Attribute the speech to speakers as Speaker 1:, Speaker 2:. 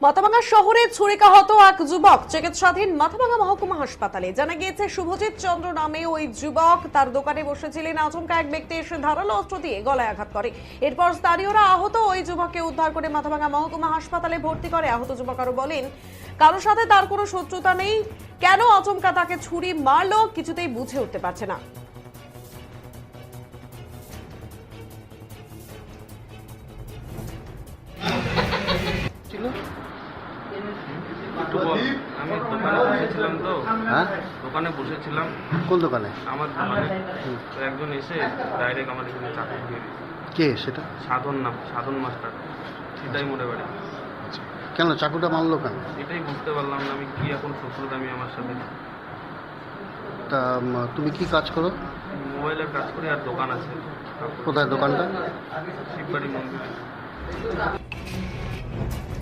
Speaker 1: মাথাভাঙা শহরে ছুরিকাহত এক যুবক চিকিৎসাধীন মাথাভাঙা মহকুমা হাসপাতালে। জানা গিয়েছে শুভজিৎ চন্দ্র নামে ওই যুবক তার দোকানে বসেছিলেন। আচমকা এক ব্যক্তি এসে ধারালো অস্ত্র দিয়ে গলায় আঘাত করে। এরপর স্থানীয়রা আহত ওই যুবককে উদ্ধার করে মাথাভাঙা মহকুমা হাসপাতালে ভর্তি করে। আহত যুবক আরো বলেন, কারোর সাথে তার কোনো শত্রুতা নেই, কেন আচমকা তাকে ছুরি মারলো কিছুতেই বুঝে উঠতে পারছে না।
Speaker 2: আমি দোকানে বসেছিলাম তো।
Speaker 3: হ্যাঁ,
Speaker 2: দোকানে বসেছিলাম।
Speaker 3: কোন দোকানে?
Speaker 2: আমার দোকানে তো একজন এসে ডাইরেক্ট আমার এখানে চাকরি দিয়ে দিয়েছে।
Speaker 3: কে সেটা?
Speaker 2: সাধন মাস্টার, সেটাই মোড়ে বাড়ি।
Speaker 3: আচ্ছা, কেন চাকুটা মারলো কেন?
Speaker 2: এটাই বুঝতে পারলাম না আমি কি এখন শত্রুতা আমি আমার সাথে।
Speaker 3: তা তুমি কি কাজ করো?
Speaker 2: মোবাইলের কাজ করি আর দোকান আছে।
Speaker 3: কোথায় দোকানটা?
Speaker 2: শিববাড়ি মন্দিরে।